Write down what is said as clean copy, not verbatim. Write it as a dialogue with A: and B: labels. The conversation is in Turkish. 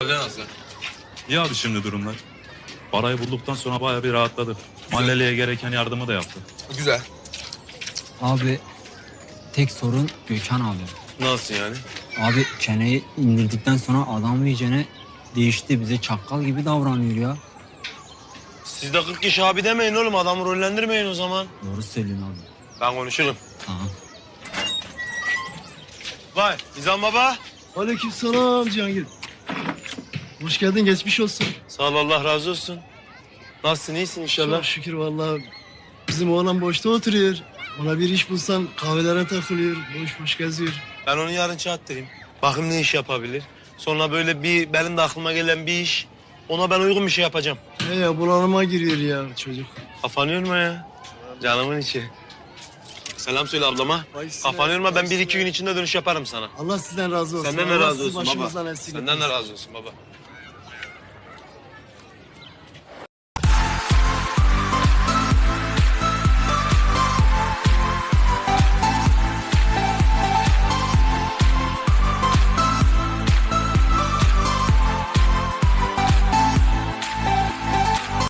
A: Nasıl?
B: İyi abi şimdi durumlar. Parayı bulduktan sonra bayağı bir rahatladı. Mahalleliye gereken yardımı da yaptı.
A: Güzel.
C: Abi tek sorun Gökhan abi.
A: Nasıl yani?
C: Abi çeneyi indirdikten sonra adam iyicene değişti. Bize çakkal gibi davranıyor ya.
D: Siz de 40 kişi abi demeyin oğlum. Adamı rollendirmeyin o zaman.
C: Doğru söylüyorsun abi.
D: Ben konuşurum.
C: Aha.
D: Vay Nizam baba.
E: Aleykümselam Cihangir. Hoş geldin, geçmiş olsun.
D: Sağ ol Allah razı olsun. Nasılsın iyisin inşallah?
E: Çok şükür vallahi. Bizim oğlan boşta oturuyor. Ona bir iş bulsan kahvelere takılıyor, boş boş geziyor.
D: Ben onu yarın çağırtırayım. Bakayım ne iş yapabilir. Sonra böyle benim de aklıma gelen bir iş. Ona ben uygun bir şey yapacağım.
E: He ya, bunalıma giriyor ya çocuk.
D: Kafanı yorma ya. Canımın içi. Selam söyle ablama. Kafanı yorma, ben 1-2 gün içinde dönüş yaparım sana.
E: Allah sizden razı olsun.
D: Senden de
E: Allah
D: razı
E: sizi
D: olsun baba.
E: başımızdan eksik
D: Senden de
E: etmesin.
D: razı olsun baba.